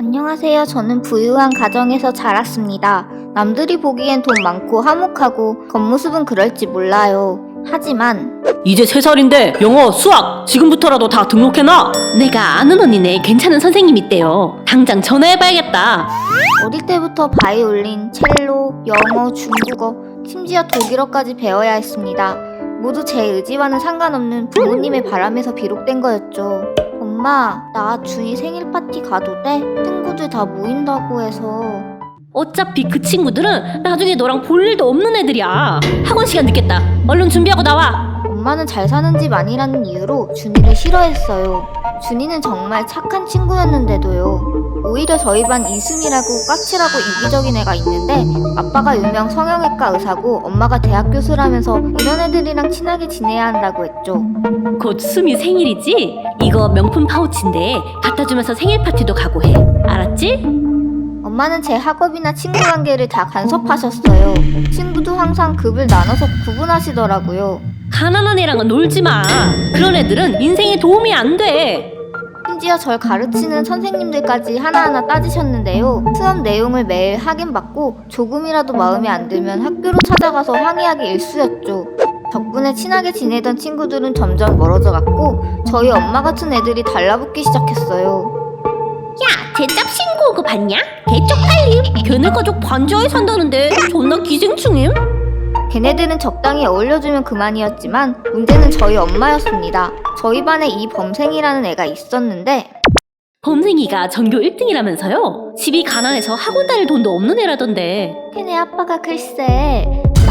안녕하세요. 저는 부유한 가정에서 자랐습니다. 남들이 보기엔 돈 많고 화목하고 겉모습은 그럴지 몰라요. 하지만 이제 3살인데 영어, 수학 지금부터라도 다 등록해놔. 내가 아는 언니네 괜찮은 선생님 있대요. 당장 전화해봐야겠다. 어릴 때부터 바이올린, 첼로, 영어, 중국어, 심지어 독일어까지 배워야 했습니다. 모두 제 의지와는 상관없는 부모님의 바람에서 비롯된 거였죠. 엄마, 나 준이 생일 파티 가도 돼? 친구들 다 모인다고 해서. 어차피 그 친구들은 나중에 너랑 볼 일도 없는 애들이야. 학원 시간 늦겠다. 얼른 준비하고 나와. 엄마는 잘 사는 집 아니라는 이유로 준이를 싫어했어요. 준이는 정말 착한 친구였는데도요. 오히려 저희 반 이수미라고 까칠하고 이기적인 애가 있는데 아빠가 유명 성형외과 의사고 엄마가 대학 교수라면서 이런 애들이랑 친하게 지내야 한다고 했죠. 곧 수미 생일이지? 이거 명품 파우치인데 갖다 주면서 생일 파티도 가고 해. 알았지? 엄마는 제 학업이나 친구 관계를 다 간섭하셨어요. 친구도 항상 급을 나눠서 구분하시더라고요. 가난한 애랑은 놀지 마. 그런 애들은 인생에 도움이 안 돼. 심지어 절 가르치는 선생님들까지 하나하나 따지셨는데요. 수업 내용을 매일 확인받고 조금이라도 마음에 안 들면 학교로 찾아가서 항의하기 일쑤였죠. 덕분에 친하게 지내던 친구들은 점점 멀어져 갔고 저희 엄마 같은 애들이 달라붙기 시작했어요. 야, 대답 신고 온 거 봤냐? 개쪽팔림. 걔네 가족 반지하에 산다는데 존나 기생충임? 걔네들은 적당히 어울려주면 그만이었지만 문제는 저희 엄마였습니다. 저희 반에 이 범생이라는 애가 있었는데 범생이가 전교 1등이라면서요? 집이 가난해서 학원 다닐 돈도 없는 애라던데. 걔네 아빠가 글쎄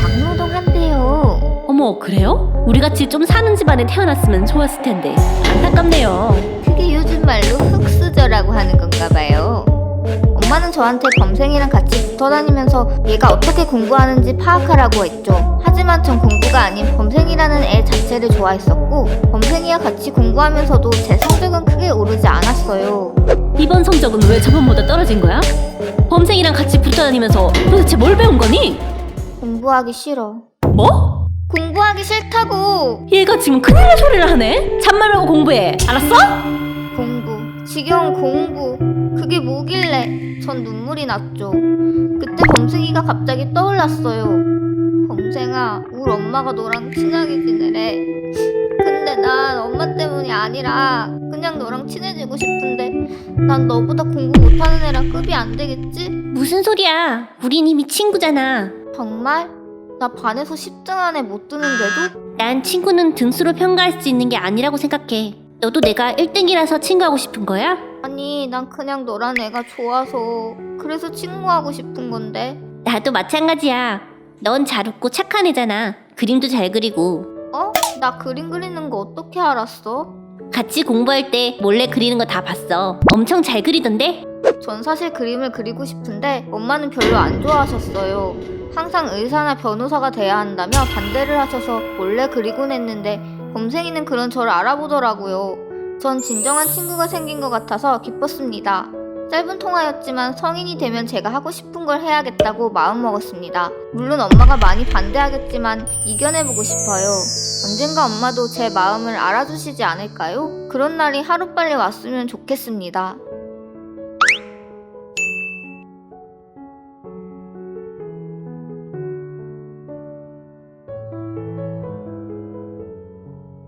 막노동한대요. 어머, 그래요? 우리같이 좀 사는 집안에 태어났으면 좋았을 텐데 안타깝네요. 그게 요즘 말로 흙수저라고 하는 건가 봐요. 엄마는 저한테 범생이랑 같이 붙어다니면서 얘가 어떻게 공부하는지 파악하라고 했죠. 하지만 전 공부가 아닌 범생이라는 애 자체를 좋아했었고 범생이와 같이 공부하면서도 제 성적은 크게 오르지 않았어요. 이번 성적은 왜 저번보다 떨어진 거야? 범생이랑 같이 붙어다니면서 도대체 뭘 배운 거니? 공부하기 싫어. 뭐? 공부하기 싫다고! 얘가 지금 큰일 날 소리를 하네? 잔말 말고 공부해. 알았어? 공부, 지겨운 공부, 그게 뭐길래 전 눈물이 났죠. 그때 범생이가 갑자기 떠올랐어요. 범생아, 우리 엄마가 너랑 친하게 지내래. 근데 난 엄마 때문이 아니라 그냥 너랑 친해지고 싶은데 난 너보다 공부 못하는 애랑 급이 안 되겠지? 무슨 소리야? 우린 이미 친구잖아. 정말? 나 반에서 10등 안에 못 드는데도? 난 친구는 등수로 평가할 수 있는 게 아니라고 생각해. 너도 내가 1등이라서 친구하고 싶은 거야? 아니, 난 그냥 너란 애가 좋아서 그래서 친구하고 싶은 건데. 나도 마찬가지야. 넌 잘 웃고 착한 애잖아. 그림도 잘 그리고. 어? 나 그림 그리는 거 어떻게 알았어? 같이 공부할 때 몰래 그리는 거 다 봤어. 엄청 잘 그리던데? 전 사실 그림을 그리고 싶은데 엄마는 별로 안 좋아하셨어요. 항상 의사나 변호사가 돼야 한다며 반대를 하셔서 몰래 그리곤 했는데 범생이는 그런 저를 알아보더라고요. 전 진정한 친구가 생긴 것 같아서 기뻤습니다. 짧은 통화였지만 성인이 되면 제가 하고 싶은 걸 해야겠다고 마음먹었습니다. 물론 엄마가 많이 반대하겠지만 이겨내보고 싶어요. 언젠가 엄마도 제 마음을 알아주시지 않을까요? 그런 날이 하루빨리 왔으면 좋겠습니다.